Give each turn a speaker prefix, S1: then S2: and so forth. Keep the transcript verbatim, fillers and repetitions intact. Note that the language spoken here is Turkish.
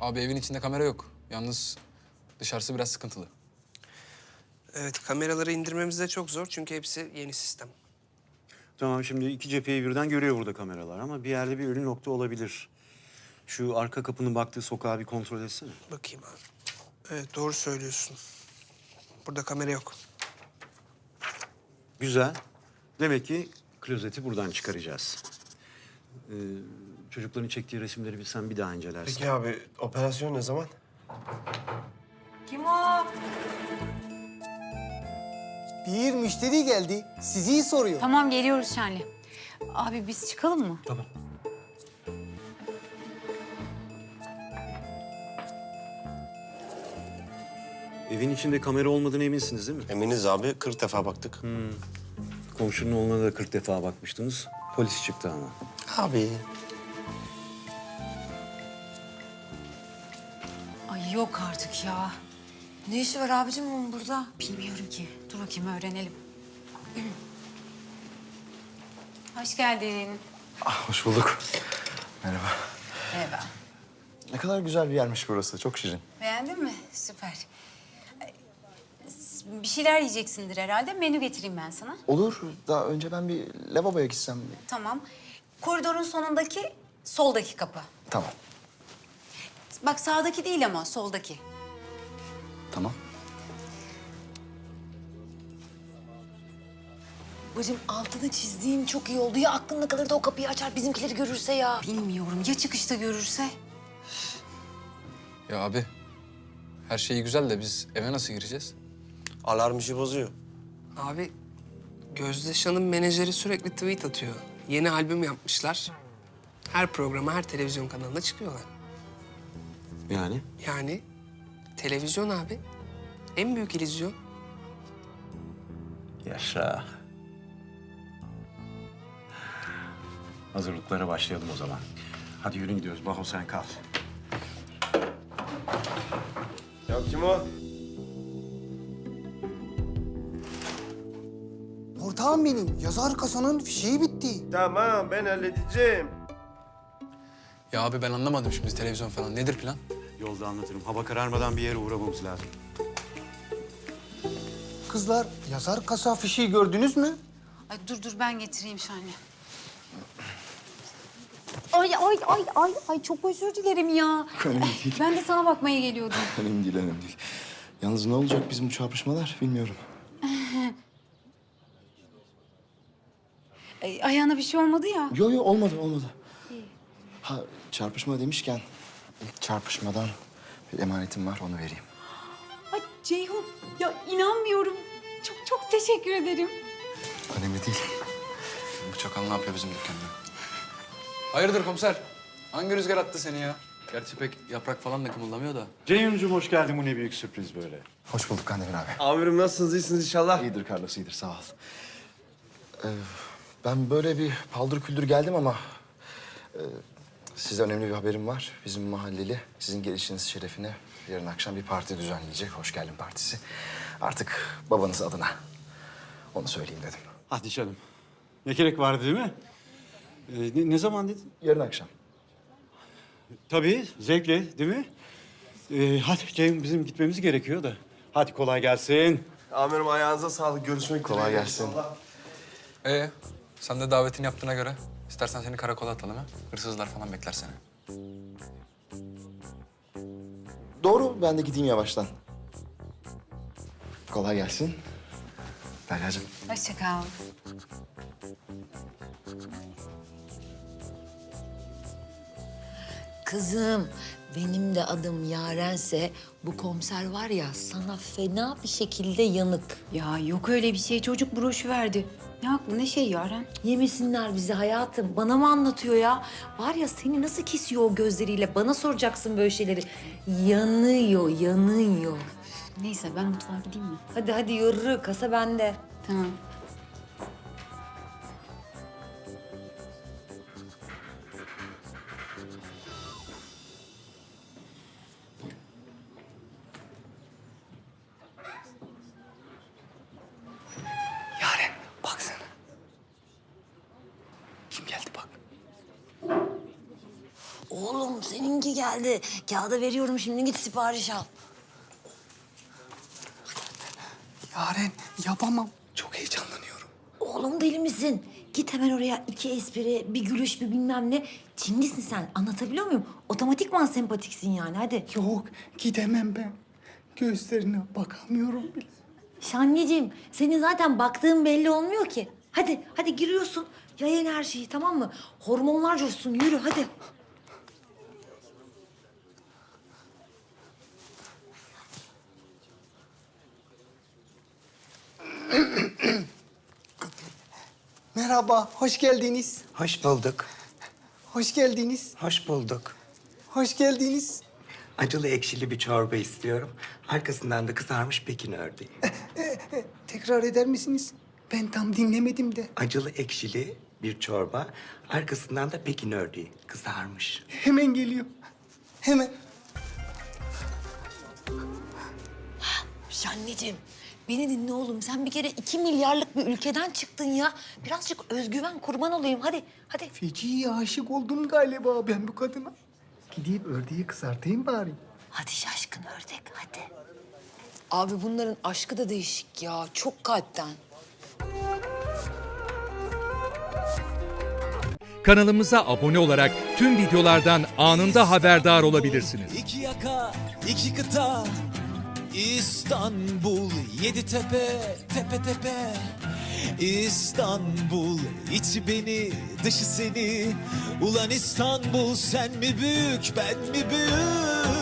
S1: Abi evin içinde kamera yok. Yalnız dışarısı biraz sıkıntılı.
S2: Evet, kameraları indirmemiz de çok zor çünkü hepsi yeni sistem.
S3: Tamam, şimdi iki cepheyi birden görüyor burada kameralar ama bir yerde bir ölü nokta olabilir. Şu arka kapının baktığı sokağı bir kontrol etsene.
S2: Bakayım abi. Evet, doğru söylüyorsun. Burada kamera yok.
S3: Güzel. Demek ki klozeti buradan çıkaracağız. Ee, çocukların çektiği resimleri bir sen bir daha incelersin.
S4: Peki abi, operasyon ne zaman?
S5: Kim o?
S6: Bir müşteri geldi. Sizi soruyor.
S5: Tamam geliyoruz Şenli. Abi biz çıkalım mı?
S3: Tamam. Evin içinde kamera olmadığına eminsiniz değil mi?
S4: Eminiz abi, kırk defa baktık.
S3: Komşunun oğluna da kırk defa bakmıştınız. Polis çıktı ama.
S4: Abi.
S5: Ay yok artık ya.
S7: Ne işi var abicim onun burada?
S5: Bilmiyorum ki. Dur bakayım öğrenelim. Hoş geldin.
S8: Ah, hoş bulduk. Merhaba.
S5: Merhaba.
S8: Ne kadar güzel bir yermiş burası. Çok şirin.
S5: Beğendin mi? Süper. Ay, Bir şeyler yiyeceksindir herhalde. Menü getireyim ben sana.
S8: Olur. Daha önce ben bir lavaboya gitsem.
S5: Tamam. Koridorun sonundaki soldaki kapı.
S8: Tamam.
S5: Bak sağdaki değil ama soldaki.
S8: Tamam.
S7: Bacım altını çizdiğin çok iyi oldu. Ya aklında kalır da o kapıyı açar bizimkileri görürse ya.
S5: Bilmiyorum. Ya çıkışta görürse?
S1: Ya abi, her şey güzel de biz eve nasıl gireceğiz?
S4: Alarm işi bozuyor.
S2: Abi, Gözde Şan'ın menajeri sürekli tweet atıyor. Yeni albüm yapmışlar. Her programa, her televizyon kanalında çıkıyorlar.
S3: Yani?
S2: Yani televizyon abi. En büyük illüzyon.
S3: Yaşa. Hazırlıklara başlayalım o zaman. Hadi yürü gidiyoruz. Baho sen kal.
S4: Ya kim o?
S6: Ortağım benim. Yazar kasanın fişeği bitti.
S4: Tamam, ben halledeceğim.
S1: Ya abi ben anlamadım şimdi televizyon falan. Nedir plan?
S3: Yolda anlatırım. Hava kararmadan bir yere uğramamız lazım.
S6: Kızlar, yazar kasa fişeği gördünüz mü?
S5: Ay dur dur ben getireyim Şenli. Ay ay ay ay ay çok özür dilerim ya.
S8: Önemli değil.
S5: Ben de sana bakmaya geliyordum.
S8: Önemli değil, önemli değil. Yalnız ne olacak bizim bu çarpışmalar bilmiyorum.
S5: Ay, ayağına bir şey olmadı ya.
S8: Yo yo olmadı, olmadı. Ha çarpışma demişken ilk çarpışmadan bir emanetim var, onu vereyim.
S5: Ay Ceyhun ya inanmıyorum. Çok çok teşekkür ederim.
S8: Önemli değil.
S1: Bu çakal ne yapıyor bizim dükkanda? Hayırdır komiser? Hangi rüzgar attı seni ya? Gerçi pek yaprak falan da kımıldamıyor da.
S3: Ceyhun'cum hoş geldin. Bu ne büyük sürpriz böyle.
S8: Hoş bulduk Kandemir abi.
S4: Amirim nasılsınız, iyisiniz inşallah?
S8: İyidir Carlos, iyidir. Sağ ol. Ee, ben böyle bir paldır küldür geldim ama... E, size önemli bir haberim var. Bizim mahalleli sizin gelişiniz şerefine yarın akşam bir parti düzenleyecek. Hoş geldin partisi. Artık babanız adına. Onu söyleyeyim dedim.
S3: Hadi canım. Ne gerek vardı değil mi? Ee, ne, ne zaman dedin?
S8: Yarın akşam.
S3: Tabii, zevkle değil mi? Ee, hadi Ceyhun bizim gitmemiz gerekiyor da. Hadi kolay gelsin.
S4: Amirim ayağınıza sağlık, görüşmek üzere.
S8: Kolay gelsin.
S1: Ee, sen de davetini yaptığına göre istersen seni karakola atalım ha. Hırsızlar falan bekler seni.
S8: Doğru, ben de gideyim yavaştan. Kolay gelsin. Derya'cığım.
S5: Hoşça kal.
S7: Kızım benim de adım Yarense bu komiser var ya sana fena bir şekilde yanık.
S5: Ya yok öyle bir şey. Çocuk broşu verdi. Ne haklı ne şey Yaren?
S7: Yemesinler bizi hayatım. Bana mı anlatıyor ya? Var ya seni nasıl kesiyor o gözleriyle? Bana soracaksın böyle şeyleri. Yanıyor, yanıyor.
S5: Neyse ben mutfağa gideyim mi?
S7: Hadi hadi yürü. Kasa bende.
S5: Tamam.
S8: Yaren, baksana. Kim geldi bak.
S7: Oğlum seninki geldi. Kağıda veriyorum şimdi git sipariş al.
S6: Yaren yapamam. Çok heyecanlanıyorum.
S7: Oğlum deli misin? Git hemen oraya iki espri, bir gülüş, bir bilmem ne. Çingisin sen. Anlatabiliyor muyum? Otomatikman sempatiksin yani hadi.
S6: Yok gidemem ben. Gözlerine bakamıyorum bile.
S7: Şanneciğim senin zaten baktığın belli olmuyor ki. Hadi hadi giriyorsun. Yayın her şeyi tamam mı? Hormonlar coşsun yürü hadi.
S6: Merhaba, hoş geldiniz.
S9: Hoş bulduk.
S6: Hoş geldiniz.
S9: Hoş bulduk.
S6: Hoş geldiniz.
S9: Acılı ekşili bir çorba istiyorum. Arkasından da kızarmış Pekin ördeği.
S6: Tekrar eder misiniz? Ben tam dinlemedim de.
S9: Acılı ekşili bir çorba. Arkasından da Pekin ördeği kızarmış.
S6: Hemen geliyor. Hemen.
S7: Şanneciğim beni dinle oğlum. Sen bir kere iki milyarlık bir ülkeden çıktın ya. Birazcık özgüven kurban olayım hadi hadi.
S6: Feci'ye aşık oldum galiba ben bu kadına. Gideyim ördeği kızartayım bari.
S7: Hadi şaşkın ördek hadi.
S2: Abi bunların aşkı da değişik ya. Çok kalpten.
S10: Kanalımıza abone olarak tüm videolardan anında haberdar olabilirsiniz.
S11: İki yaka, iki kıta, İstanbul, yedi tepe, tepe tepe. İstanbul, içi beni, dışı seni. Ulan İstanbul, sen mi büyük, ben mi büyük?